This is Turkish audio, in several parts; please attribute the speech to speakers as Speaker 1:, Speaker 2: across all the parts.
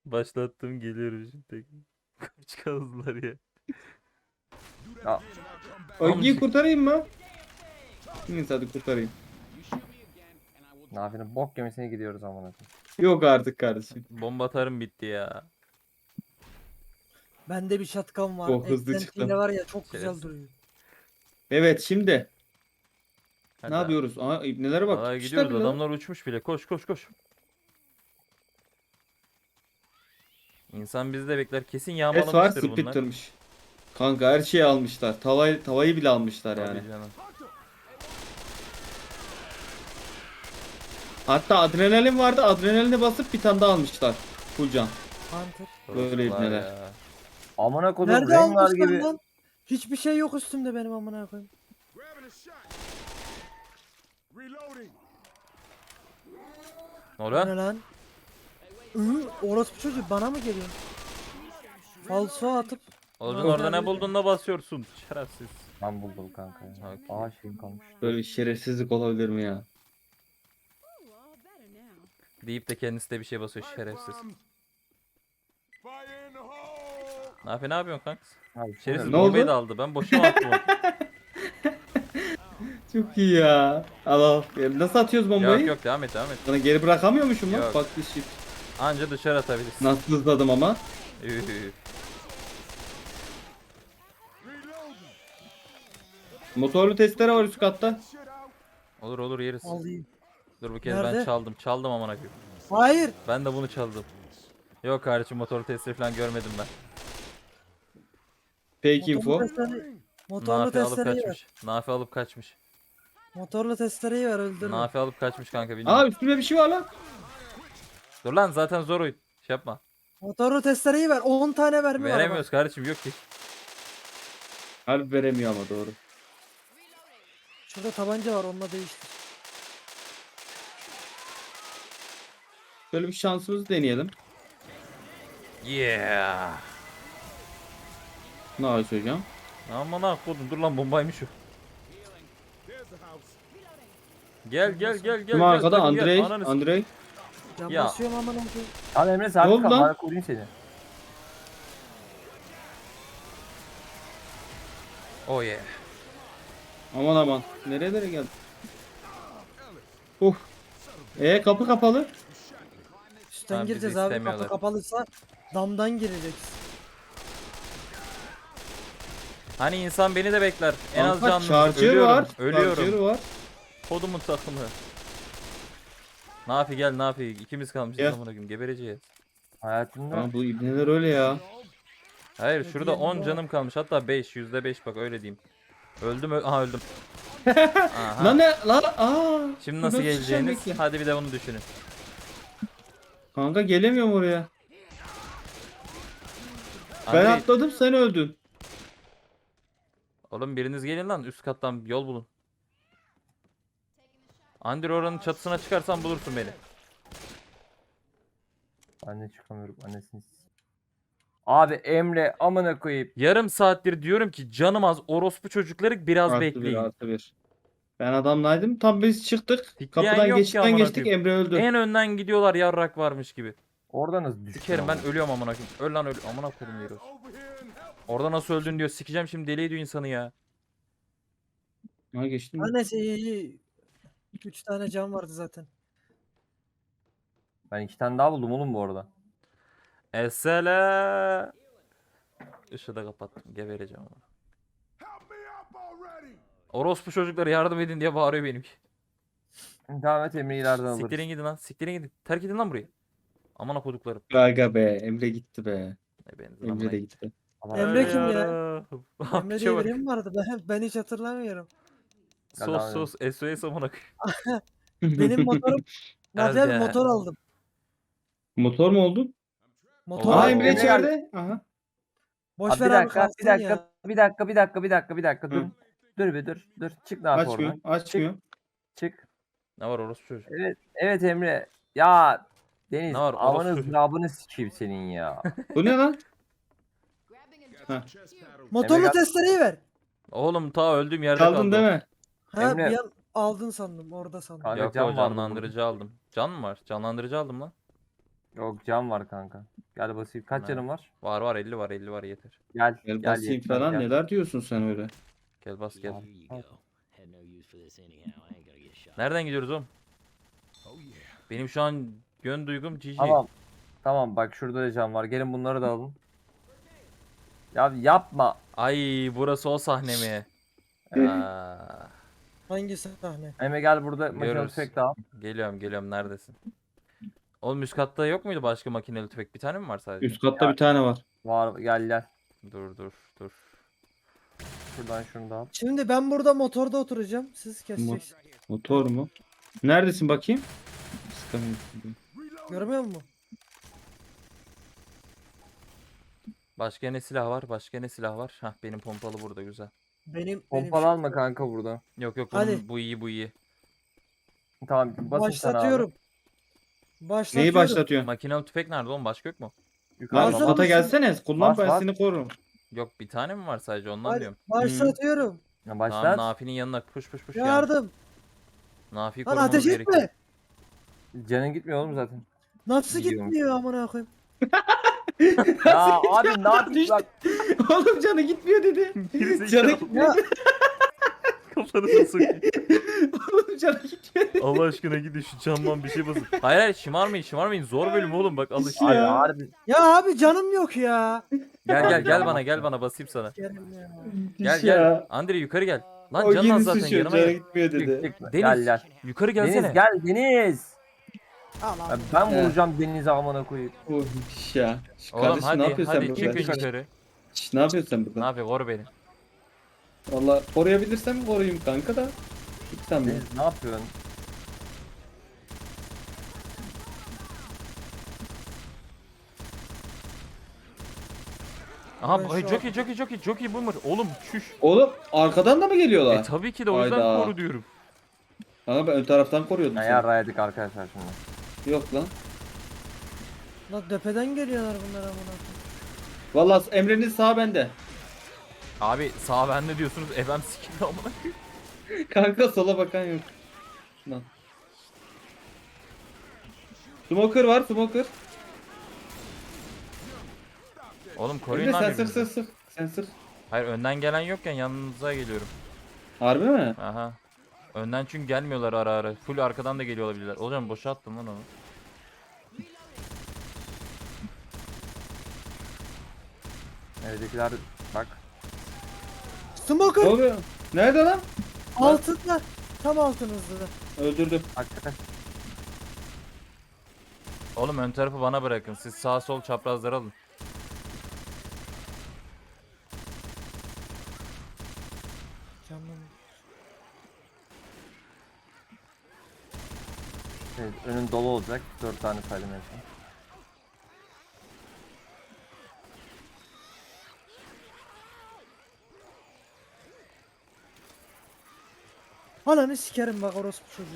Speaker 1: Başlattım geliyorum şimdi. Kaç kazdılar ya.
Speaker 2: Ya,
Speaker 3: Ogi'yi kurtarayım mı? Neyse hadi kurtarayım.
Speaker 2: ne yapayım? Bok gemisine gidiyoruz amına koyayım.
Speaker 3: Yok artık kardeşim.
Speaker 1: Bomba atarım bitti ya.
Speaker 4: Bende bir şatkan var.
Speaker 3: Çok hızlı
Speaker 4: Eklentiyle
Speaker 3: çıktım.
Speaker 4: var ya çok güzel
Speaker 1: Şerefsiz.
Speaker 4: duruyor.
Speaker 3: Evet şimdi.
Speaker 1: Hadi
Speaker 3: Ne
Speaker 1: abi.
Speaker 3: yapıyoruz? Aa ibnelere bak.
Speaker 1: Aa,
Speaker 3: Tutmuşlar
Speaker 1: gidiyoruz
Speaker 3: bile lan.
Speaker 1: adamlar uçmuş bile. Koş koş koş. İnsan bizi de bekler. Kesin
Speaker 3: Es var
Speaker 1: yağmalamıştır bunlar.
Speaker 3: Splitter'mış. Kanka her şeyi almışlar. Tavayı bile almışlar
Speaker 1: Tabii
Speaker 3: yani.
Speaker 1: canım.
Speaker 3: Hatta adrenalin vardı. Adrenalini basıp bir tane daha almışlar. Full can.
Speaker 4: Hunter.
Speaker 3: Böyle
Speaker 1: Orospular
Speaker 3: ibneler.
Speaker 1: ya.
Speaker 2: Amına koydum
Speaker 4: Nerede
Speaker 2: Rengar
Speaker 4: almışlar
Speaker 2: gibi.
Speaker 4: lan? Hiçbir şey yok üstümde benim amına koyayım.
Speaker 1: Ne
Speaker 4: Bu
Speaker 1: oluyor?
Speaker 4: ne lan? Orospu çocuk bana mı geliyor? Falso atıp
Speaker 1: Oğlum
Speaker 4: Ulan
Speaker 1: orada ne
Speaker 4: abi.
Speaker 1: buldun da basıyorsun. Şerefsiz.
Speaker 2: Ben buldum kanka ya.
Speaker 1: Okey.
Speaker 2: Aa şeyim kalmış.
Speaker 3: Böyle bir şerefsizlik olabilir mi ya?
Speaker 1: Deyip de kendisi de bir şey basıyor şerefsiz. Ne yapıyorsun kanka?
Speaker 2: Abi,
Speaker 1: Şerefsiz
Speaker 3: Ne oldu?
Speaker 1: bombayı da aldı. Ben boşuna attım onu.
Speaker 3: Çok iyi ya. Al al. Nasıl atıyoruz bombayı?
Speaker 1: Yok yok devam et devam et.
Speaker 3: Sana geri bırakamıyormuşum lan.
Speaker 1: Yok.
Speaker 3: Bak bir şey.
Speaker 1: Anca dışarı atabilirsin.
Speaker 3: Nasıl hızladım ama.
Speaker 1: Üh.
Speaker 3: Motorlu testere var üst katta.
Speaker 1: Olur olur yeriz.
Speaker 4: alayım.
Speaker 1: Dur bu kez ben
Speaker 4: Nerede?
Speaker 1: çaldım. Çaldım amına koyayım.
Speaker 4: Hayır.
Speaker 1: Ben de bunu çaldım. Yok kardeşim motor testi falan görmedim ben.
Speaker 3: Fake info.
Speaker 4: Motorlu
Speaker 1: Nafi alıp
Speaker 4: testereyi ver.
Speaker 1: kaçmış. Nafi alıp kaçmış.
Speaker 4: Motorlu testereyi ver öldürme.
Speaker 1: Nafi alıp kaçmış kanka bilmiyorum.
Speaker 3: Aa üstüme bir şey var lan.
Speaker 1: Dur lan zaten zor oyun. Şey yapma.
Speaker 4: Motorlu testereyi ver. 10 tane vermiyor araba.
Speaker 1: Veremiyoruz kardeşim yok ki.
Speaker 3: Harbi veremiyor ama doğru.
Speaker 4: Şurada tabanca var onunla değiştir.
Speaker 3: Şöyle bir şansımızı deneyelim.
Speaker 1: Yeah.
Speaker 3: Ne yapıyorsun hocam?
Speaker 1: Aman ha kodum dur lan bombaymış o. Gel gel gel gel.
Speaker 3: Kim
Speaker 1: gel,
Speaker 3: arkada?
Speaker 1: takım gel.
Speaker 3: Andrei.
Speaker 1: Ananı s-
Speaker 3: Andrei.
Speaker 4: Can
Speaker 1: Ya.
Speaker 4: basıyorum amına koyayım.
Speaker 2: Abi Emre
Speaker 3: Ne
Speaker 2: sabit
Speaker 3: oldu
Speaker 2: kal.
Speaker 3: lan?
Speaker 2: Ben koruyayım seni.
Speaker 1: Oh yeah.
Speaker 3: Aman aman. Nerelere geldi? Kapı kapalı.
Speaker 4: Üstten
Speaker 1: Tamam, bizi
Speaker 4: gireceğiz abi.
Speaker 1: istemiyorlar.
Speaker 4: Kapı kapalıysa damdan gireceksin.
Speaker 1: Hani insan beni de bekler. En az
Speaker 3: Kanka,
Speaker 1: canlı.
Speaker 3: charger
Speaker 1: Ölüyorum.
Speaker 3: var.
Speaker 1: Ölüyorum.
Speaker 3: Charger var.
Speaker 1: Kodumun takımı. Nafi gel Nafi. İkimiz kalmışız
Speaker 3: Gel.
Speaker 1: amına koyayım. Gebereceğiz.
Speaker 2: Hayatımda
Speaker 3: Lan bu ibneler öyle ya.
Speaker 1: Hayır
Speaker 4: Ne
Speaker 1: şurada
Speaker 4: diyeyim
Speaker 1: 10
Speaker 4: ya?
Speaker 1: canım kalmış. Hatta 5. %5 bak öyle diyeyim. Öldüm aha öldüm. Aha.
Speaker 3: Lan ne? Lan aa.
Speaker 1: Şimdi nasıl
Speaker 3: Şuradan sıçacağım
Speaker 1: geleceğiniz?
Speaker 3: bekle.
Speaker 1: Hadi bir de bunu düşünün.
Speaker 3: Kanka gelemiyorum oraya. Ben
Speaker 1: Andrei,
Speaker 3: atladım sen öldün.
Speaker 1: oğlum biriniz gelin lan üst kattan yol bulun. Andrei oranın çatısına çıkarsan bulursun beni.
Speaker 2: ben de çıkamıyorum annesini. Abi Emre amına koyayım.
Speaker 1: Yarım saattir diyorum ki canım az orospu çocukları biraz
Speaker 3: Artı
Speaker 1: bekleyin.
Speaker 3: bir artı bir. Ben adamlaydım. Tam biz çıktık.
Speaker 1: Tikleyen
Speaker 3: Kapıdan
Speaker 1: yok ki
Speaker 3: geçtikten
Speaker 1: amına
Speaker 3: geçtik.
Speaker 1: koyayım.
Speaker 3: Emre öldü.
Speaker 1: En önden gidiyorlar yarrak varmış gibi.
Speaker 2: Orada nasıl düştün?
Speaker 1: Sikerim ben
Speaker 2: ama?
Speaker 1: ölüyorum amına koyayım. Öl lan öl. Amına koyayım diyoruz. Orada nasıl öldün diyor. Sikeceğim şimdi deli ediyor insanı ya.
Speaker 3: Ha geçtim.
Speaker 4: Ha neyse iyi. 3 tane can vardı zaten.
Speaker 2: Ben 2 tane daha buldum oğlum bu arada.
Speaker 1: Esele. Işığı da kapattım. Gebereceğim ama. Orospu çocukları yardım edin diye bağırıyor benimki.
Speaker 2: Devam et Emre ileriden alırız.
Speaker 1: Siktirin gidin lan. Siktirin gidin. Terk edin lan burayı. Amına koduklarım.
Speaker 3: Gaga be. Emre gitti be.
Speaker 1: Benzin
Speaker 3: Emre de gitti.
Speaker 2: Allah
Speaker 4: Emre
Speaker 2: razı
Speaker 4: kim ya?
Speaker 1: Yarım.
Speaker 4: Emre diye biri mi vardı? Ben hiç hatırlamıyorum.
Speaker 1: Sos sos. SOS amına koyayım.
Speaker 4: Benim motorum... Nafi abi
Speaker 1: Elde.
Speaker 4: motor aldım.
Speaker 3: Motor mu oldun?
Speaker 4: Motor
Speaker 3: Aa
Speaker 1: Oo.
Speaker 4: aldım.
Speaker 3: Emre içeride. Aha.
Speaker 4: Boş
Speaker 2: Abi
Speaker 4: ver
Speaker 2: bir
Speaker 4: abi
Speaker 2: dakika,
Speaker 4: kalsın
Speaker 2: bir dakika,
Speaker 4: ya.
Speaker 2: bir dakika, dur.
Speaker 3: Hı.
Speaker 2: Dur bir dur. Çık ne yap
Speaker 3: Açmıyor.
Speaker 2: oradan.
Speaker 3: Açmıyor.
Speaker 2: Çık.
Speaker 1: Ne var orospu çocuk?
Speaker 2: Evet Emre. Ya Deniz
Speaker 1: Ne var,
Speaker 2: amanı
Speaker 1: orospu?
Speaker 2: zırabını sikeyim senin ya.
Speaker 3: Bu ne lan?
Speaker 4: Motorlu
Speaker 2: Emre gel-
Speaker 4: testereyi ver.
Speaker 1: Oğlum ta öldüğüm yerde
Speaker 3: Kaldın
Speaker 1: kaldım.
Speaker 3: değil mi?
Speaker 4: Ha
Speaker 2: Emre-
Speaker 4: bir an aldın sandım orada sandım.
Speaker 2: Kanka,
Speaker 1: Yok
Speaker 2: can
Speaker 1: o
Speaker 2: vardı
Speaker 1: canlandırıcı aldım. Can mı var? Canlandırıcı aldım lan.
Speaker 2: Yok cam var kanka. Gel basayım. Kaç
Speaker 1: Ne?
Speaker 2: canım var?
Speaker 1: Var var 50 var 50 var yeter.
Speaker 2: Gel.
Speaker 3: Gel basayım
Speaker 2: yetmez,
Speaker 3: falan
Speaker 2: gel.
Speaker 3: neler diyorsun sen öyle?
Speaker 1: Gel bas gel.
Speaker 2: Abi,
Speaker 5: Here you go. Had no use for this anyhow. I ain't gonna get shot.
Speaker 1: Nereden gidiyoruz oğlum? Benim şu an yön duygum GG.
Speaker 2: Tamam. Tamam bak şurada da cam var. Gelin bunları da alın. Ya yapma.
Speaker 1: Ay burası o sahne mi? Aa,
Speaker 4: Hangi sahne?
Speaker 2: Emre gel burada makinalı
Speaker 1: Görürüz.
Speaker 2: tüfek de al.
Speaker 1: geliyorum neredesin? Oğlum üst katta yok muydu başka makineli tüfek? Bir tane mi var sadece?
Speaker 3: Üst katta bir tane var.
Speaker 2: Var gel.
Speaker 1: Dur.
Speaker 2: Şuradan şunu da al.
Speaker 4: Şimdi ben burada motorda oturacağım. Siz keseceksiniz.
Speaker 3: Motor mu? Neredesin bakayım? Sıkamıyorum.
Speaker 4: Görmüyor musun?
Speaker 1: Başka ne silah var? Hah benim pompalı burada güzel.
Speaker 4: Benim
Speaker 2: Pompalı alma kanka burada.
Speaker 1: Yok
Speaker 4: Hadi.
Speaker 1: oğlum bu iyi.
Speaker 2: Tamam basın sen abi.
Speaker 4: başlatıyorum. Başlatıyorum.
Speaker 3: Neyi başlatıyorsun?
Speaker 1: Makinalı tüfek nerede oğlum? Başka yok mu?
Speaker 2: Yukarı
Speaker 3: Lan
Speaker 2: bak.
Speaker 4: Başlat-
Speaker 3: ata gelsene. Kullan
Speaker 2: Bas,
Speaker 3: ben
Speaker 2: bas.
Speaker 3: seni korurum.
Speaker 1: Yok bir tane mi var sadece ondan
Speaker 4: Hadi,
Speaker 1: diyorum.
Speaker 4: başlatıyorum.
Speaker 2: Ya
Speaker 1: Tamam
Speaker 2: başlat.
Speaker 1: Nafi'nin yanına push ya.
Speaker 4: Yardım.
Speaker 1: Nafi'yi
Speaker 4: Lan
Speaker 1: korumamız
Speaker 4: ateş
Speaker 1: gerekiyor.
Speaker 4: etme.
Speaker 2: Canın gitmiyor oğlum zaten.
Speaker 4: Nasıl
Speaker 2: Gidiyorum.
Speaker 4: gitmiyor amına koyayım?
Speaker 2: Ya abi ne yapayım bak.
Speaker 3: Oğlum canı gitmiyor dedi. Canı gitmiyor.
Speaker 4: Ya
Speaker 1: Kafanı sokayım.
Speaker 3: Oğlum canı gitmiyor dedi.
Speaker 1: Allah aşkına gidin şu camdan bir şey basın. Hayır şımarmayın. Zor bölüm oğlum bak alışın.
Speaker 2: Abi
Speaker 3: Ya.
Speaker 2: harbi.
Speaker 4: ya abi canım yok ya.
Speaker 1: Gel bana basayım sana.
Speaker 4: Yerim ya.
Speaker 1: Gel. Andre yukarı gel. Lan
Speaker 3: O
Speaker 1: canın az
Speaker 3: yeni
Speaker 1: zaten
Speaker 3: sıçıyor.
Speaker 1: yanıma
Speaker 3: Canı
Speaker 1: gel.
Speaker 3: gitmiyor dedi.
Speaker 2: Çıkma.
Speaker 1: Deniz.
Speaker 2: Gel.
Speaker 1: Yukarı gelsene.
Speaker 2: Deniz gel Deniz.
Speaker 4: Al al.
Speaker 2: Ya ben
Speaker 3: He.
Speaker 2: vuracağım Deniz'e amına koyayım.
Speaker 3: Oh ya.
Speaker 1: Oğlum
Speaker 3: Kardeşim ne yapıyorsun sen
Speaker 1: hadi
Speaker 3: burada?
Speaker 1: çıkın yukarı.
Speaker 3: Şş, ne yapıyorsun sen
Speaker 1: Ne
Speaker 3: burada?
Speaker 1: yapıyor koru beni.
Speaker 3: Valla koruyabilirsem koruyayım kanka da. Git sen be.
Speaker 2: Deniz ne yapıyorsun?
Speaker 1: Aha
Speaker 4: Ben şu
Speaker 1: çok iyi boomer. Oğlum şuş.
Speaker 3: Oğlum arkadan da mı geliyorlar?
Speaker 1: Tabii ki de o yüzden
Speaker 3: Hayda.
Speaker 1: koru diyorum.
Speaker 3: Kanka ben ön taraftan koruyordum
Speaker 2: Ya
Speaker 3: seni.
Speaker 2: yarraydık arkadaşlar şimdi.
Speaker 3: Yok lan.
Speaker 4: Lan tepeden geliyorlar bunlar amına koyayım.
Speaker 3: Valla Emre'nin sağ bende.
Speaker 1: Abi sağ bende diyorsunuz. Efem sikildi amına koyayım.
Speaker 3: Kanka sola bakan yok. Lan. Smoker var smoker.
Speaker 1: Oğlum koruyun
Speaker 3: Emre
Speaker 1: lan
Speaker 3: sen sık
Speaker 1: birbirinizi.
Speaker 3: sık sık. Sen sık.
Speaker 1: Hayır önden gelen yokken yanınıza geliyorum.
Speaker 3: Harbi mi?
Speaker 1: Aha. Önden çünkü gelmiyorlar ara. Full arkadan da geliyor olabilirler. Hocam boşa attım lan onu.
Speaker 2: Evdekiler bak.
Speaker 3: Ne
Speaker 4: Smoker
Speaker 3: oluyor? Nerede lan?
Speaker 4: altında. Tam altınızda.
Speaker 3: Öldürdüm.
Speaker 2: Hakikaten.
Speaker 1: Oğlum ön tarafı bana bırakın. Siz sağ sol çaprazları alın.
Speaker 4: Canım.
Speaker 2: Evet, önün dolu olacak. 4 tane saydım en son.
Speaker 4: Ananı sikerim bak orospu çocuğu.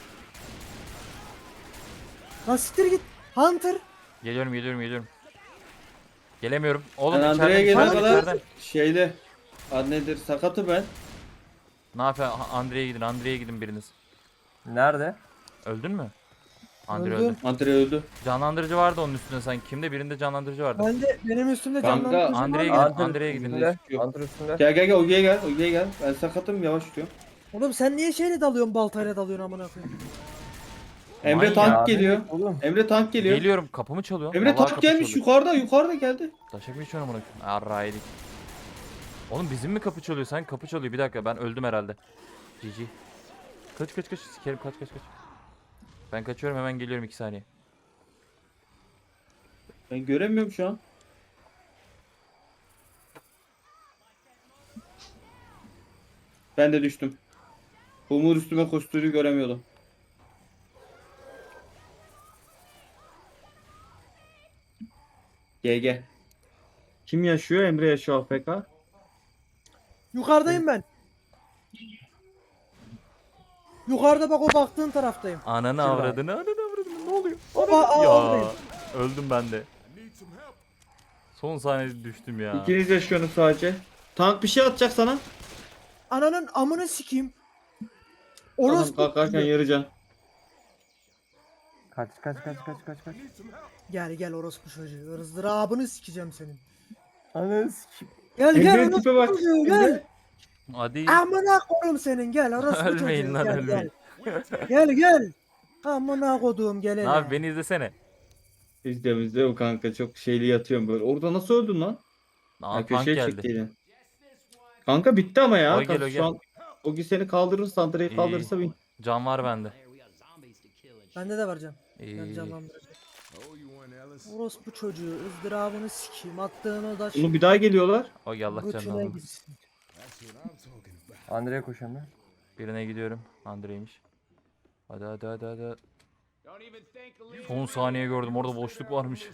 Speaker 4: Lan siktir git. Hunter.
Speaker 1: Geliyorum. Gelemiyorum. Oğlum
Speaker 3: Ben Andre'ye
Speaker 1: içeriden,
Speaker 3: gelene
Speaker 1: içeriden,
Speaker 3: kadar
Speaker 1: içeriden.
Speaker 3: şeyle. Adı nedir? Sakatı ben.
Speaker 1: Ne yapıyor? Andre'ye gidin biriniz.
Speaker 2: Nerede?
Speaker 1: Öldün mü? Andre
Speaker 4: Öldüm.
Speaker 1: öldü.
Speaker 3: Andre öldü.
Speaker 1: Canlandırıcı vardı onun üstünde sanki. Kimde? Birinde canlandırıcı vardı.
Speaker 4: Benim üstümde
Speaker 3: Kanka,
Speaker 4: canlandırıcı
Speaker 1: Andre'ye
Speaker 4: var.
Speaker 1: gidin. Andre'ye gidin.
Speaker 2: üstünde. Antır üstünde.
Speaker 3: Gel Ogi'ye gel. Ogi'ye gel. Ben sakatım yavaş tutuyorum.
Speaker 4: Oğlum sen niye şeyle dalıyorsun baltayla dalıyorsun amına koyayım?
Speaker 3: Emre
Speaker 1: Manyak.
Speaker 3: tank
Speaker 2: Ya,
Speaker 3: geliyor.
Speaker 2: Oğlum.
Speaker 3: Emre tank geliyor.
Speaker 1: Geliyorum. Kapımı çalıyor.
Speaker 3: Emre
Speaker 1: Vallahi
Speaker 3: tank
Speaker 1: kapı
Speaker 3: gelmiş
Speaker 1: çalıyor.
Speaker 3: yukarıda geldi.
Speaker 1: Taşak mı içiyorum onu? Arraydık. Oğlum bizim mi kapı çalıyor? Sen kapı çalıyor. Bir dakika ben öldüm herhalde. GG. Kaç. Sikerim kaç. Ben kaçıyorum hemen geliyorum 2 saniye.
Speaker 3: Ben göremiyorum şu an. Ben de düştüm. Umur üstüme koştuğunu göremiyordum. GG. Kim yaşıyor? Emre yaşıyor AFK.
Speaker 4: Yukarıdayım ben. Yukarıda bak o baktığın taraftayım.
Speaker 1: Ananı
Speaker 2: Şurada.
Speaker 1: avradını ne oluyor?
Speaker 4: Aa,
Speaker 1: Ya öldüm ben de. Son saniyede düştüm ya.
Speaker 3: İkiniz yaşıyorsunuz sadece. Tank bir şey atacak sana.
Speaker 4: Ananın amını sikeyim.
Speaker 3: Tamam,
Speaker 4: Orospu.
Speaker 3: kalkarken yarıcan.
Speaker 2: Kaç kaç kaç kaç kaç kaç.
Speaker 4: Gel gel orospu çocuğu. Izdırabını sikeceğim senin.
Speaker 2: Ananı sikeyim.
Speaker 4: Gel gel
Speaker 3: Emre'nin
Speaker 4: orospu
Speaker 3: tipe bak.
Speaker 4: çocuğu gel.
Speaker 1: Hadi.
Speaker 4: Amına koyayım senin gel orospu çocuğu.
Speaker 1: Ölmeyin lan,
Speaker 4: Gel,
Speaker 1: ölmeyin.
Speaker 4: Gel gel. Amına koduğum gel
Speaker 1: Ne
Speaker 4: hele.
Speaker 1: abi beni izlesene.
Speaker 3: İzliyorum o kanka, çok şeyli yatıyorum böyle. Orada nasıl öldün lan?
Speaker 1: Aa,
Speaker 3: Ha,
Speaker 1: tank
Speaker 3: köşeye
Speaker 1: geldi.
Speaker 3: çektiydin. Kanka bitti ama ya.
Speaker 1: O gel, o
Speaker 3: Şu
Speaker 1: gel.
Speaker 3: an Ogi seni kaldırırsa, Andre'yi
Speaker 1: İyi.
Speaker 3: kaldırırsa bin.
Speaker 1: Can var bende.
Speaker 5: There we got zombies to kill and shit.
Speaker 4: Bende de var can. Ben
Speaker 1: İyi.
Speaker 4: canlandıracağım. Orospu çocuğu ızdırabını sikeyim. Attığın o da
Speaker 3: Oğlum bir daha geliyorlar.
Speaker 1: O gel Allah canını
Speaker 4: götüne
Speaker 1: almasın.
Speaker 4: gitsin.
Speaker 2: Andre'ye koşuyorum ben.
Speaker 1: Birine gidiyorum. Andre'ymiş. Hadi hadi hadi hadi. Son saniye gördüm orada boşluk varmış.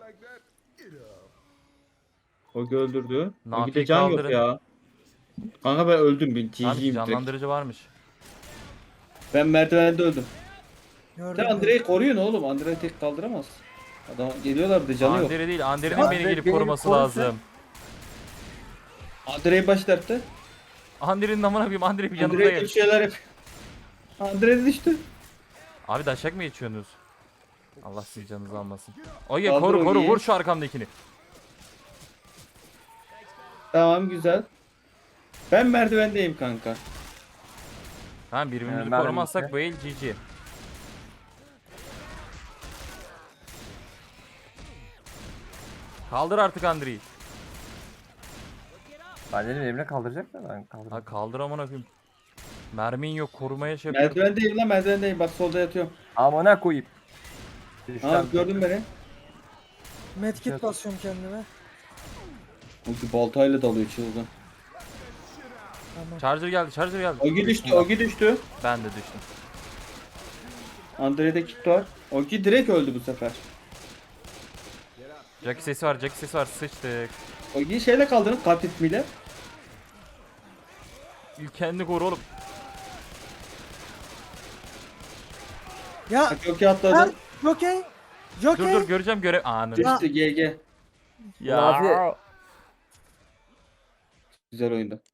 Speaker 3: Ogi öldürdü.
Speaker 1: Nafi'yi
Speaker 3: Ogi'de can yok
Speaker 1: kaldırın.
Speaker 3: ya. Kanka ben öldüm. Ben
Speaker 1: Abi
Speaker 3: TG'yim direkt.
Speaker 1: canlandırıcı varmış.
Speaker 3: Ben merdivende öldüm.
Speaker 4: Gördüm.
Speaker 3: Sen Andre'yi koruyun oğlum. Andre tek kaldıramaz. Adam geliyorlar bir de canı yok.
Speaker 1: Andre değil, Andre'nin
Speaker 2: Ya,
Speaker 1: beni gelip
Speaker 2: beni
Speaker 1: koruması
Speaker 2: korusun.
Speaker 1: lazım.
Speaker 3: Andre'yi başlattı.
Speaker 1: Andre'nin amına koyayım, Andre bir yanımda
Speaker 3: Andre'ye
Speaker 1: gel.
Speaker 3: bir şeyler yap. Andre düştü.
Speaker 1: Abi daşak mı geçiyorsunuz? Allah sizin canınızı almasın. Oye
Speaker 3: Kaldır
Speaker 1: koru koru
Speaker 3: Oge'yi.
Speaker 1: vur şu arkamdakini.
Speaker 3: Tamam güzel. Ben merdivendeyim kanka.
Speaker 1: Ha birbirimizi
Speaker 2: ben
Speaker 1: korumazsak
Speaker 2: de.
Speaker 1: bu el GG. Kaldır artık Andre'yi.
Speaker 2: Ben dedim Emre kaldıracak da ben
Speaker 1: Ha
Speaker 2: kaldırdım.
Speaker 1: kaldır amına koyayım. Mermin yok, korumaya şey yapıyorum.
Speaker 3: Merdivendeyim lan, merdivendeyim. Bak solda yatıyorum.
Speaker 2: Amına koyayım.
Speaker 3: Ha
Speaker 2: Düşten
Speaker 3: gördün beni.
Speaker 4: Medkit basıyorum kendime.
Speaker 3: Ogi baltayla dalıyor çılgın.
Speaker 4: Tamam.
Speaker 1: Charger geldi, Charger geldi.
Speaker 3: Ogi düştü, Ogi düştü.
Speaker 1: Ben de düştüm.
Speaker 3: Andre'de kit var. Ogi direkt öldü bu sefer.
Speaker 1: Jackie sesi var, Jackie sesi var. Sıçtık.
Speaker 3: Ogi'yi şeyle kaldırın, kalp ritmiyle.
Speaker 1: İlk kendini koru oğlum.
Speaker 4: Ya
Speaker 3: Bak Ogi atladı.
Speaker 4: ben Jockey. Jockey.
Speaker 1: Dur dur göreceğim görev. Anı.
Speaker 3: Düştü GG.
Speaker 1: Ya.
Speaker 2: Nafi-
Speaker 3: Güzel oyundu.